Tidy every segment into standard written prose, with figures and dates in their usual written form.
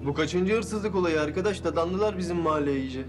Bu kaçıncı hırsızlık olayı arkadaş? Dadandılar bizim mahalleye iyice.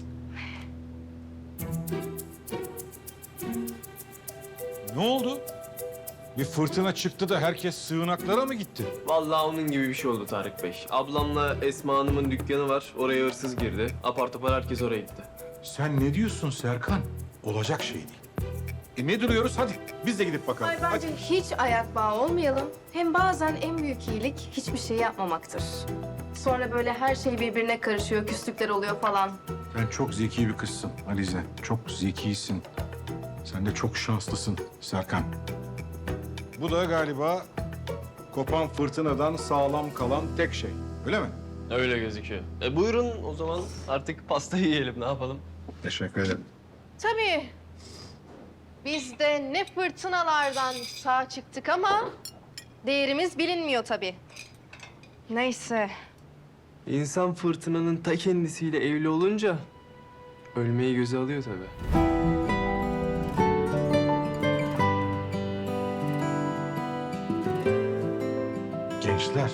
Ne oldu? Bir fırtına çıktı da herkes sığınaklara mı gitti? Vallahi onun gibi bir şey oldu Tarık Bey. Ablamla Esma Hanım'ın dükkanı var. Oraya hırsız girdi. Apar topar herkes oraya gitti. Sen ne diyorsun Serkan? Olacak şey değil. Ne duruyoruz? Hadi biz de gidip bakalım. Ay bence Hadi. hiç ayak bağı olmayalım. Hem bazen en büyük iyilik hiçbir şey yapmamaktır. Sonra böyle her şey birbirine karışıyor, küslükler oluyor falan. Sen çok zeki bir kızsın Alize. Çok zekisin. Sen de çok şanslısın Serkan. Bu da galiba kopan fırtınadan sağlam kalan tek şey. Öyle mi? Öyle gözüküyor. Buyurun o zaman artık pastayı yiyelim. Ne yapalım? Teşekkür ederim. Tabii. Biz de ne fırtınalardan sağ çıktık ama değerimiz bilinmiyor tabii. Neyse. İnsan fırtınanın ta kendisiyle evli olunca ölmeyi göze alıyor tabii. Gençler,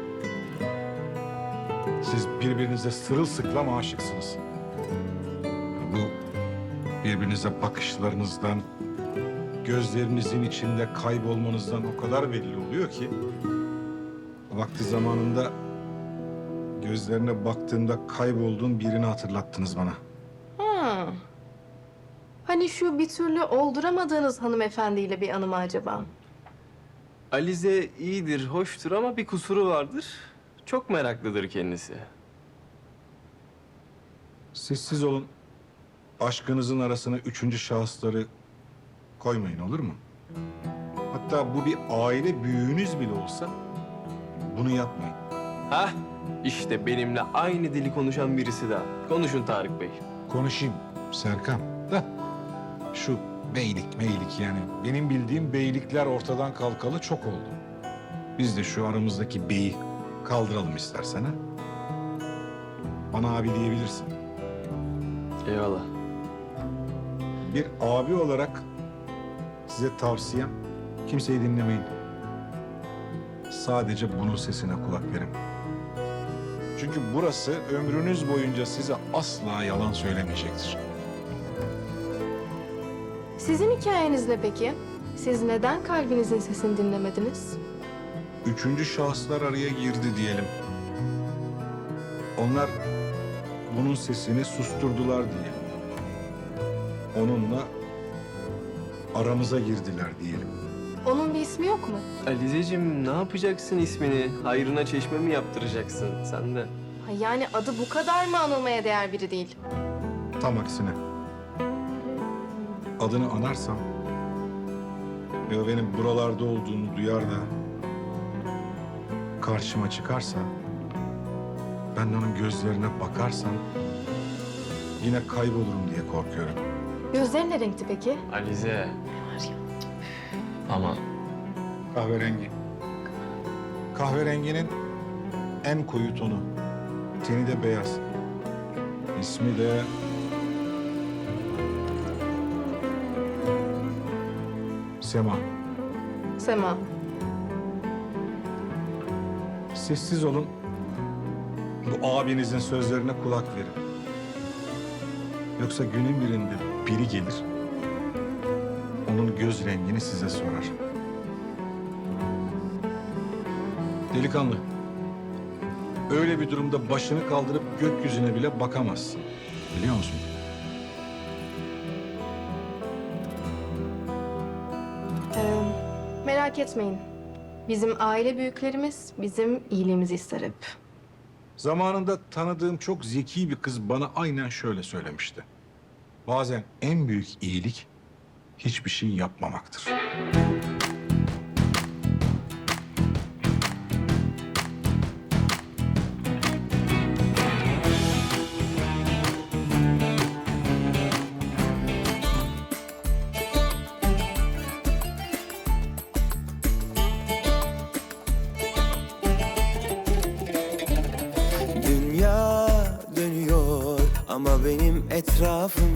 siz birbirinize sırılsıklam aşıksınız. Bu birbirinize bakışlarınızdan, gözlerinizin içinde kaybolmanızdan o kadar belli oluyor ki... ...vakti zamanında gözlerine baktığımda kaybolduğum birini hatırlattınız bana. Ha. Hani şu bir türlü olduramadığınız hanımefendiyle bir anı mı acaba? Alize iyidir, hoştur ama bir kusuru vardır. Çok meraklıdır kendisi. Sessiz olun. Aşkınızın arasına üçüncü şahısları koymayın, olur mu? Hatta bu bir aile büyüğünüz bile olsa bunu yapmayın. Hah, işte benimle aynı dili konuşan birisi daha. Konuşun Tarık Bey. Konuşayım Serkan da şu beylik meylik yani benim bildiğim beylikler ortadan kalkalı çok oldu. Biz de şu aramızdaki beyi kaldıralım istersen ha. Bana abi diyebilirsin. Eyvallah. Bir abi olarak size tavsiyem kimseyi dinlemeyin. Sadece bunun sesine kulak verin. Çünkü burası ömrünüz boyunca size asla yalan söylemeyecektir. Sizin hikayeniz ne peki? Siz neden kalbinizin sesini dinlemediniz? Üçüncü şahıslar araya girdi diyelim. Onlar bunun sesini susturdular diyelim. Onunla aramıza girdiler diyelim. Onun bir ismi yok mu? Alizeciğim ne yapacaksın ismini? Hayrına çeşme mi yaptıracaksın sen de? Ha, yani adı bu kadar mı anılmaya değer biri değil? Tam aksine. Adını anarsam ve o benim buralarda olduğunu duyar da karşıma çıkarsa, ben de onun gözlerine bakarsam yine kaybolurum diye korkuyorum. Gözleri ne renkti peki? Alize. Aman. Kahverengi. Kahverenginin en koyu tonu. Teni de beyaz. İsmi de... Sema. Sema. Sessiz olun. Bu abinizin sözlerine kulak verin. Yoksa günün birinde biri gelir. Onun göz rengini size sorar. Delikanlı. Öyle bir durumda başını kaldırıp gökyüzüne bile bakamazsın. Biliyor musun? Merak etmeyin. Bizim aile büyüklerimiz bizim iyiliğimizi ister hep. Zamanında tanıdığım çok zeki bir kız bana aynen şöyle söylemişti. Bazen en büyük iyilik hiçbir şey yapmamaktır. Dünya dönüyor ama benim etrafım